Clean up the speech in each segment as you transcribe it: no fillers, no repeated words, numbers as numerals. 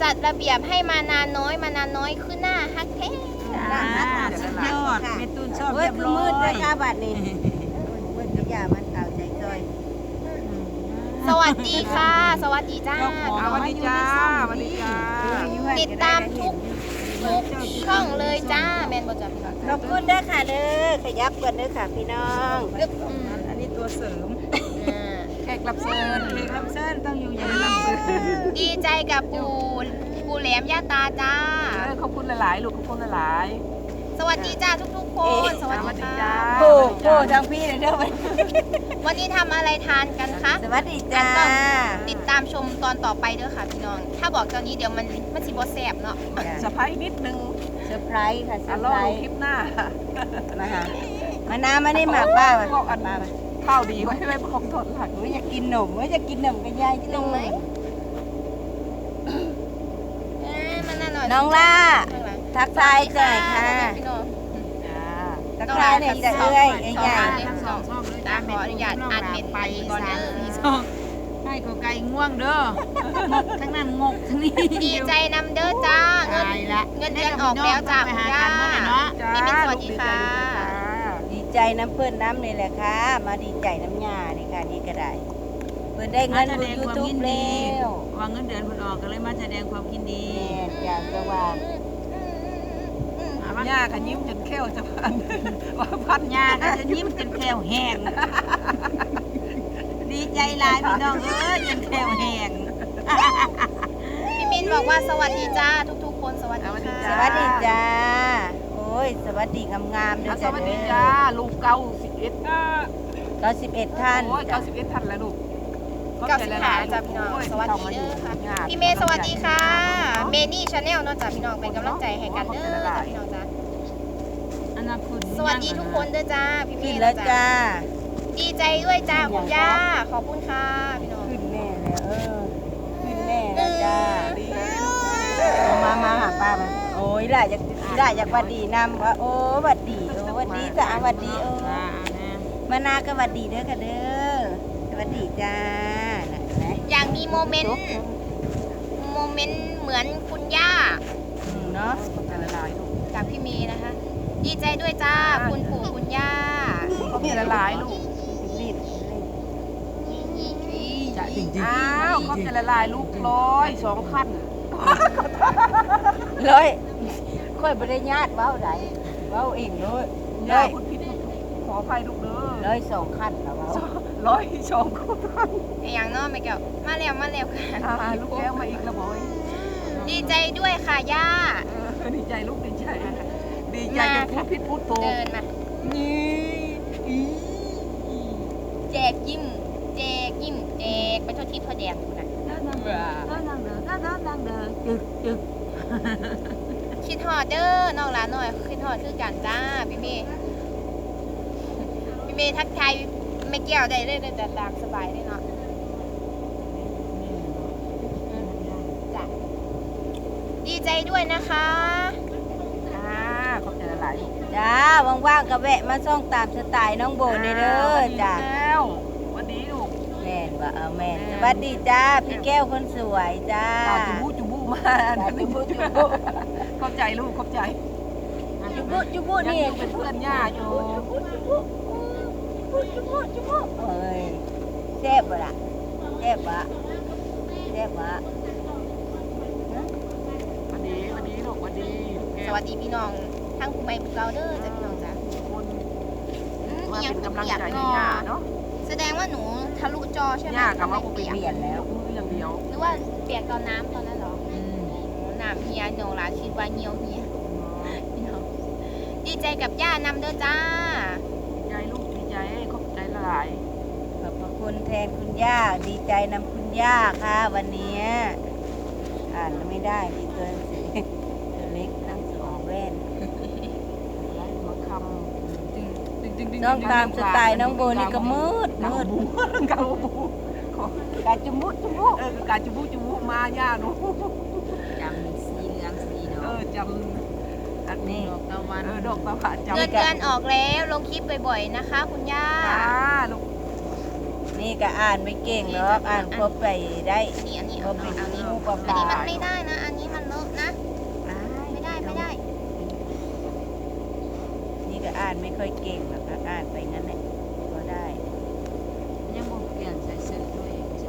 จัดระเบียบให้มานานน้อยขึ้นหน้าฮักแท้สุดยอดเมตุนชอบเรียบร้อยมืดเลยค่ะบัดนี้มืดอย่ามันข่าวใจจอยสวัสดีค่ะสวัสดีจ้าสวัสดีจ้าสวัสดีจ้าติดตามทุกช่องเลยจ้าแมนบอจับขอบคุณด้วยค่ะเด้อขยับก่อนเด้อค่ะพี่น้องอันนี้ตัวเสริมแขกรับเชิญต้องอยู่อย่างรับเชิญดีใจกับปูแหลมย่าตาจ้าขอบคุณหลายๆลูกขอบคุณหลายสวัสดีจ้าทุกคนสวัสดีจ้าโอ้ทางพี่เลยเด้อวันนี้ทำอะไรทานกันคะสวัสดีจ้าติดตามชมตอนต่อไปเด้อค่ะพี่น้องถ้าบอกตอนนี้เดี๋ยวมันสิบ่แซ่บเนาะเซอร์ไพรส์นิดนึงเซอร์ไพรส์ค่ะเซอร์ไพรส์คลิปหน้ามาหามาน้ำมานี่หมากป้ามาข้าวดีไว้ไม่คงทนหลักอยากกินหนมอยากกินหนมกันยายที่ลงไหมน้องล่าทักทายหน่อยค่ะทักทายหน่อยจะเอ้ยใหญ่ตาขออนุญาตอ่านเม็ดไปก่อนเด้อให้ขอไก่ง่วงเด้องกทั้งนั้นงกทั้งนี้ดีใจนำเด้อจ้าเงินเดือนออกแล้วจ้าคุณย่าพี่มิ้นสวัสดีค่ะดีใจน้ำเพื่อนน้ำนี่แหละค่ะมาดีใจน้ำยานี่ค่ะนี่ก็ได้เพื่อนได้เงินดูยูทูบแล้ววางเงินเดือนเพื่อนออกก็เลยมาแสดงความยินดีอยากจะว่าย่าก็ยิ้มจนแก้วจะพันว่าพันย่าก็จะยิ้มจนแก้วแห้งดีใจหลายพี่น้องเอ้ยจนแก้วแห้งพี่มิ้นบอกว่าสวัสดีจ้าทุกคนสวัสดีค่ะสวัสดีจ้าโอ้ยสวัสดีงามๆด้วยจ้าสวัสดีจ้าลูก91 ท่านโอ้ย91ท่านแล้วลูก 95จ้าพี่น้องสวัสดีเด้อค่ะพี่เมย์สวัสดีค่ะเมนี่ชาแนลเนาะจ้าพี่น้องเป็นกำลังใจให้กันเด้อจ้าพี่น้องจ้าสวัสดีทุกคนเด้อจ้าพี่เมย์แล้วจ้าดีใจด้วยจ้าคุณย่าขอบคุณค่ะพี่น้องขึ้นแน่แล้วขึ้นแน่แล้วจ้ามาหาป้ามาโอ้ยล่ะอยากวัดดีนำว่าโอ้วัดดีโอ้วัดดีจ้าวัดดีโอ้มานาก็วัดดีเด้อค่ะเด้อสวัสดีจ้าอยากมีโมเมนต์เหมือนคุณย่าเนาะกับพี่เมย์นะคะดีใจด้วยจ้าคุณปู่คุณย่าเขามีหลายลูกจริงๆอ้าวเขาจะละลายลูก102ขั้นค่อยบริญาตเว้าใดเว้าเองเลยคุณพิษขออภัยลูกเด้อ102ขั้นแล้วเว้า 102ขั้นอย่างน้อยไม่เกี่ยวมาแล้วค่ะลูกแก้วมาอีกแล้วบอยดีใจด้วยค่ะย่าดีใจลูกดีใจจะพูดโตเดินมาแจกยิ้มไปทั่วทิศทั่วแดนนะคิดฮอดเด้อน้องหลานหน่อยคิดฮอดคือกันจ้าพี่เมย์ทักทายไม่เกี่ยวได้เลยแต่ตามสบายได้เนาะจ้ะดีใจด้วยนะคะขอบใจหลายจ้าว่างๆก็แวะมาส่องตามสไตล์น้องโบนี่เด้อจ้าวันนี้ลูกแม่นว่าแม่นสวัสดีจ้าพี่แก้วคนสวยจ้าจุบุมาจุบุเข้าใจลูกเข้าใจจุบุนี่เป็นเพื่อนย่าอยู่จุบุเอ้ยแซ่บบ่ล่ะแซ่บบ่วันนี้ลูกวันดีสวัสดีพี่น้องทั้งผู้ใหม่ผู้เก่าเด้อจ้ะพี่น้องจ้ะมาเป็นกำลังใจให้ย่าเนาะแสดงว่าหนูทะลุจอใช่ไหมย่ากับว่าเปลี่ยนแล้วอย่างเดียวหรือว่าเปลี่ยนตอนน้ำตอนนั้นหรอน้ำเฮียหนูหลานคิดว่าเหี่ยวเฮียพี่น้องดีใจกับย่านำเด้อจ้าดีใจลูกดีใจขอบใจหลายขอบพระคุณแทนคุณย่าดีใจนำคุณย่าค่ะวันนี้อ่านไม่ได้ดีเกินสิเล็กทั้งสองแว่นน้องตามสไตล์น้องโบนี่ก็มืดกาบูกาจุบุกาจุบุมาย่าหนูจำสีเหลืองสีเนาะจำอันนี้ดอกตะวันเงินเดือนออกแล้วลงคลิปบ่อยๆนะคะคุณย่าลูกนนี่ก็อ่านไม่เก่งหรอกอ่านครบไปได้นี่อันนี้ครเอาบเป็นเอานี้งูปลาอันนี้มันไม่ได้นะ อันนี้มันเลอะนะ ไม่ได้นี่ก็อ่านไม่ค่อยเก่งหรอกนะอ่านไปงั้นแหละก็ได้ยังบ่เปลี่ยนใส่เสื้อด้วยชอบ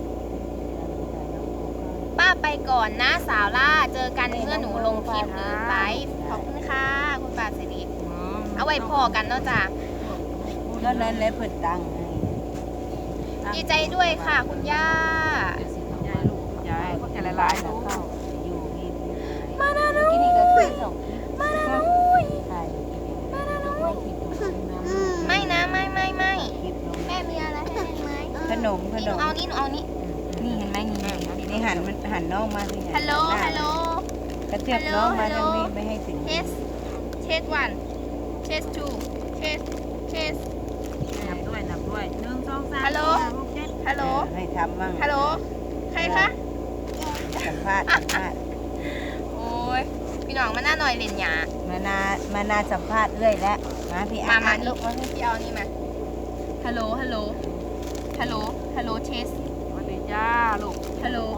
ป้าไปก่อนนะสาวล่า เจอกันเมื่อหนูลงคลิปหรือไลฟ์ขอบคุณค่ะ คุณป้าสิริเอาไว้พอกันเนาะจ้ะก็นั้นแหละเพิ่นตั้งให้ดีใจด้วยค่ะคุณย่ายายลูกยายก็จะละลายลูกเข้าอยู่นี่มานานุกินนี่ก็คือส่งมานานุใช่มานานุไม่คิดดูนะไม่นะไม่คลิปลงแม่มีอะไรให้ไหมขนมนี่หนูเอานี่หนูเอานี่นี่เห็นไหมนี่หันมันหันน้องมาสิฮัลโหลฮัลโหลกระเทียบน้องมาทางนี้ไม่ให้ถึงเทสเทส1เทส2เทสนับด้วย1 2 3 ฮัลโหล ฮัลโหลให้ทำมั่งฮัลโหล ใครคะสัมภาษณ์โอ้ย พี่น้องมาหน้าหน่อยเล่นหยามานาสัมภาษณ์เรื่อยแล้วมาพี่มาอ่านนี่ลูกมาพี่เอานี่มา ฮัลโหล ฮัลโหล ฮัลโหล ฮัลโหล เทสสวัสดีจ้าลูกฮัลโหล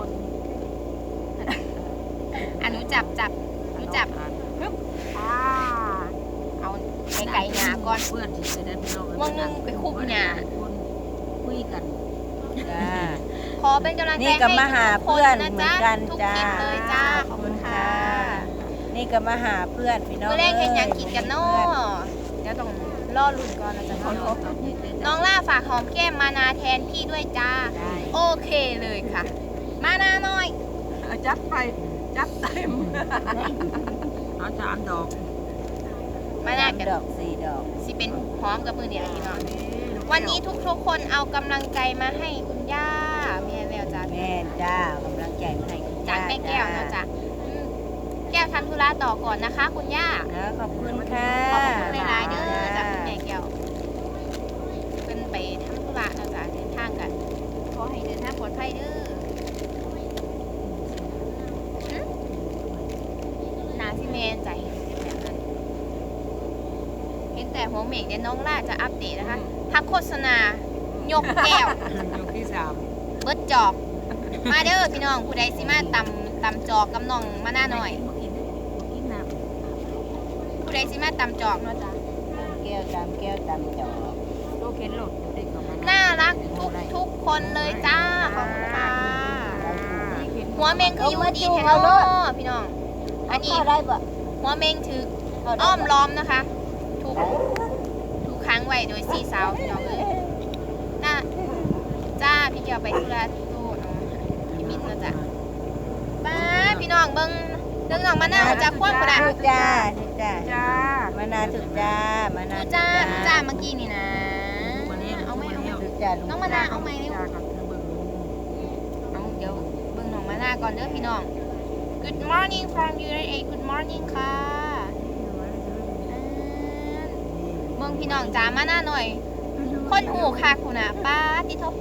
อ่ะหนูจับหนูจับปึ๊บเอาไก่หยาก่อนเพื่อนที่จะได้พี่น้องวงหนึงไปคุบหยาคุยกันจ้าขอเป็นกำลังใจนี่ให้ก็มาหาทุกคเพื่อนนะเหมือนจ๊ะกันทุกจ้าคลิปเลยจ้า ขอบคุณค่ะนี่ก็มาหาเพื่อนพี่น้องเมื่อแรกเห็นหยังกินกันเนาะเดี๋ยวต้องล่อลุ่นก่อนนะจ๊ะน้องล่าฝากหอมแก้มมานาแทนพี่ด้วยจ้า โอเคเลยค่ะ มานาหน่อยจัดไปจัดเต็มเอา3 ดอกมานากันดอก4 ดอกสิเป็นหอมกับมือเดียวพี่น้องวันนี้ทุกคนเอากำลังใจมาให้คุณย่าแม่แล้วจ้าแม่จ้ากำลังใจมาให้คุณจากย่าแม่แก้วเนาะจ้ะอืมแก้วทำธุระต่อก่อนนะคะ คุณย่านะขอบคุณค่ะขอบคุณหลายๆเด้อจากคุณแม่แก้วเป็นไปทำธุระเนาะจ้ะเดินทางกันขอให้เดินทางปลอดภัยเด้อหึนาซิเมนใจแบบนั้นเห็นแต่หัวเหม่งเนี่ยน้องล่าจะอัปเดตนะคะพักโฆษณายกแก้วยกที่3 เบิดจอก มาเด้อพี่น้องผู้ใดสิมาตำจอกกับน้องมาหน้าหน่อยกินน้ผู้ใดสิมาตำจอกเนาะจ้ะแก้วตามแก้วตามจอกำลูกเข็นรถเด็กเข้ามาน่ารักทุกคนเลยจ้าขอบคุณค่ะหัวเมงคืออยู่ดีแท้เนาะพี่น้องอันนี้เข้าได้ปะหัวเมงถือเข้าได้อ้อมปะล้อมนะคะถูกค้างไว้โดยสี่สาวพี่น้องเลยน่าจ้าพี่เกียวไปธุระที่โตเนาะพี่มินเนาะจ้ะป้าพี่น้องเบิ่งเรื่องน้องมาหน้าจะคว้างกระดาษถูกจ้าถูกจ้าจ้ามานาถูกจ้ามานาดูจ้าดูจ้าเมื่อกี้นี่นะวันนี้เอาไหมเอาไหมถูกจ้าลุงน้องมาหน้าเอาไหมเร็วจ้ากับเบิ่งเอาเดี๋ยวเบิ่งน้องมาหน้าก่อนเด้อพี่น้อง Good morning from USA Good morning ค่ะเบิ่งพี่น้องจ้ามาหน้าหน่อย คนหูค่ะคุณน่ะป้าติทบ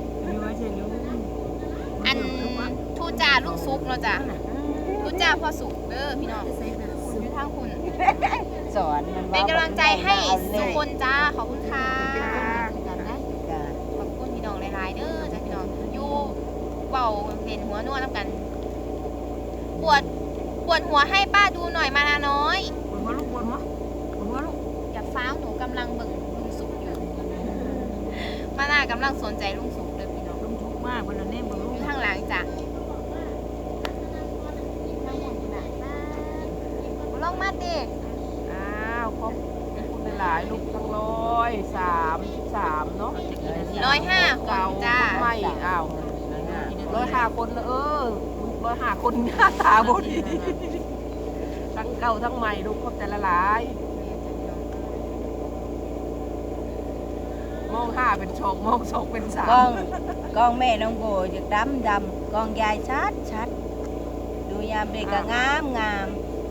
อันทูจ่าลูกซุกเนาะจ้ะทูจ่าพ่อสุกเด้อพี่น้องอยู่ทางคุณสอนมันเป็นกำลังใจให้ทุกคนจ้าขอบคุณค่ะจ้าขอบคุณพี่น้องหลายๆเด้อจ้าพี่น้องอยู่เบาเล่นหัวนวดน้ำกัน ปวดหัวให้ป้าดูหน่อยมานาน้อยปวดหัวลูกปวดหัวลูกอย่าฟ้าวหนูกำลังเบิ่งลุงสุกอยู่ มาน่ากำลังสนใจลุงสุกเลยพี่น้องลุงทุกข์มากวันนี้เบิ่งลูอก ยู่ข้างหลังจ้ะข้างบนคุณน่ะลงมาดิอ้าวขอบคุณหลายลูกทั้ง133เนาะ 105 คนจ้าไม่อ้าว105 คนเลย105 คนหน้าตาบ่ดีทั้งเก่าทั้งใหม่ลูกขอบใจละหลายมอง5เป็น2มอง2เป็น3 กล้องแม่น้องโบจะดำกล้องยายชัดดูยามเด็กก็งาม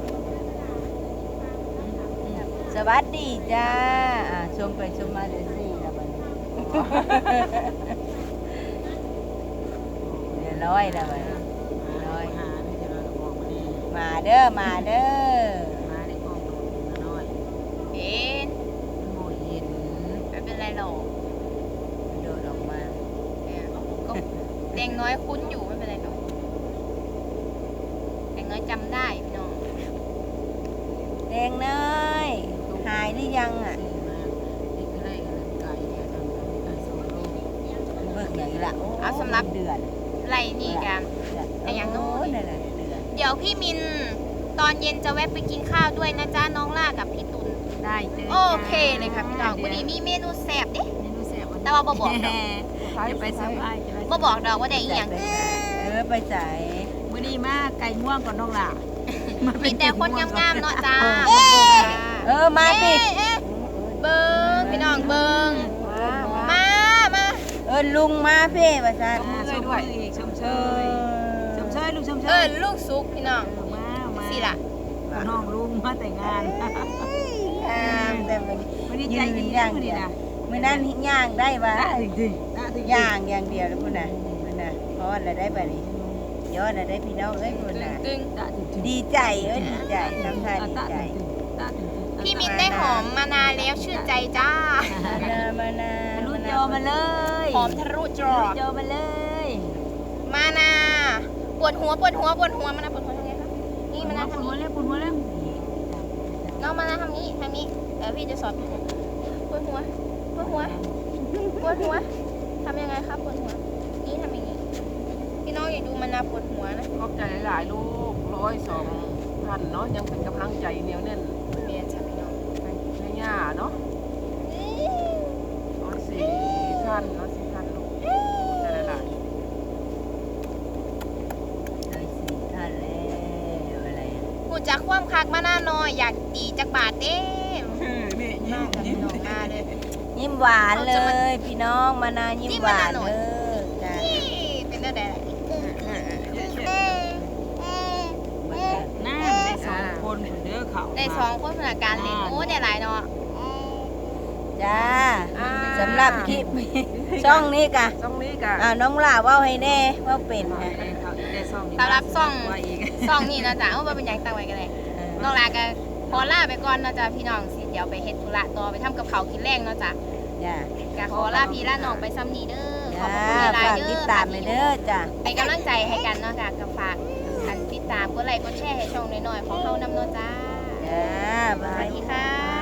สวัสดีจ้าชมไปชมมาเดี๋ยวสิแล้วบัดนี้เดี๋ยวร้อยแล้วบัดนี้ร้อยมาเด้อมาได้กล้องน้อยเห็นโมเห็นไม่เป็นไรหรอกโดดออกมาน้อยคุ้นอยู่ไม่เป็นไรหรอกแตงน้อยจำได้พี่น้องแดงเนยหายหรือยังอ่ะเบิกอย่างนี้ละเอาสำหรับเดือนไรนี่กันแต่อย่างโน้นนั่นแหละเดือนเดี๋ยวพี่มินตอนเย็นจะแวะไปกินข้าวด้วยนะจ๊ะน้องล่ากับพี่ตุลได้เจอโอเคเลยค่ะพี่น้องวันนี้มีเมนูแซ่บเด้เมนูแซ่บแต่ว่าบ่บอกดอกจะไปเซอร์ไพรส์บ่บอกดอกว่าได้อีหยังไปใส่มื้อนี้มาไก่ง่วงก่อนน้องล่ะมีแต่คนงามๆเนาะจ้ามาสิเบิ้งพี่น้องเบิ้งมาลุงมาเพ่ประชาชมเชยด้วยชมเชยชมเชยลูกชมเชยลูกซุกพี่น้องมาสิล่ะน้องลุงมาแต่งงานแต่มันวันนี้ใจดีนะมื้อนี้นะเมื่อนั้นย่างได้ปะจริงย่างอย่างเดียวแล้วพุ่นน่ะเพราะอะไรได้ปะนี่ยอดอะไรได้พี่น้องเอ้ยพุ่นน่ะตึงดีใจดีใจน้ำตาดีใจพี่มินได้หอมมานานแล้วชื่นใจจ้ามานารุ่นโยมาเลยหอมทะลุจอรุ่นโยมาเลยมานาปวดหัวมานาปวดหัวทำไงคะนี่มานาทำหัวนี้เล็บหัวเล็บน้องมานาทำนี้พี่จะสอนปวดหัวทำยังไงครับปวดหัวนี่ทำอย่างนี้พี่น้องอย่าดูมานาปวดหัวนะขอบใจหลายๆลูก102ท่านเนาะยังเป็นกำลังใจเหนียวแน่นเมียจ้ะพี่น้องให้ย่าเนาะ104ท่าน104ท่านลูกใจหลายได้สี่ท่านแล้วอะไรกูจะคว่ำคักมานาหน่อยอยากตีจักบาทเด้ๆนี่มากกับพี่น้องมาเลยยิ้มหวานเลยพี่น้องมานายิ้มหวานเลยจ้ะนี่เป็นได้น้ำได้2คนเด้อเขาได้สองคนสถานการณ์เลยโอ้ได้หลายเนาะจ้าสำหรับคลิปช่องนี้กะช่องนี้กะน้องล่าว่าให้แน่ว่าเป็นนะสำหรับซ่องนี่นะจ๊ะว่าเป็นอย่างต่างไว้กันเลยน้องลาก็ขอลาไปก่อนนะจ๊ะพี่น้องสิเดี๋ยวไปเฮ็ดธุระต่อไปทำกับเขาวกินแรงเนาะจ๊ะจ้าก็ขอลาพี่ลาน้องไปซ้ำนี้เด้อขอบจ้าคุณหลายฝากๆเด้ติดอตามไปเด้อจ้าเป็นกำลังใจให้กันเนาะค่ะกับฝากกันติดตามกดไลค์กดแชร์ให้ช่องน้อยๆของเฮานำเนาะจ้าจ้าสวัสดีค่ะ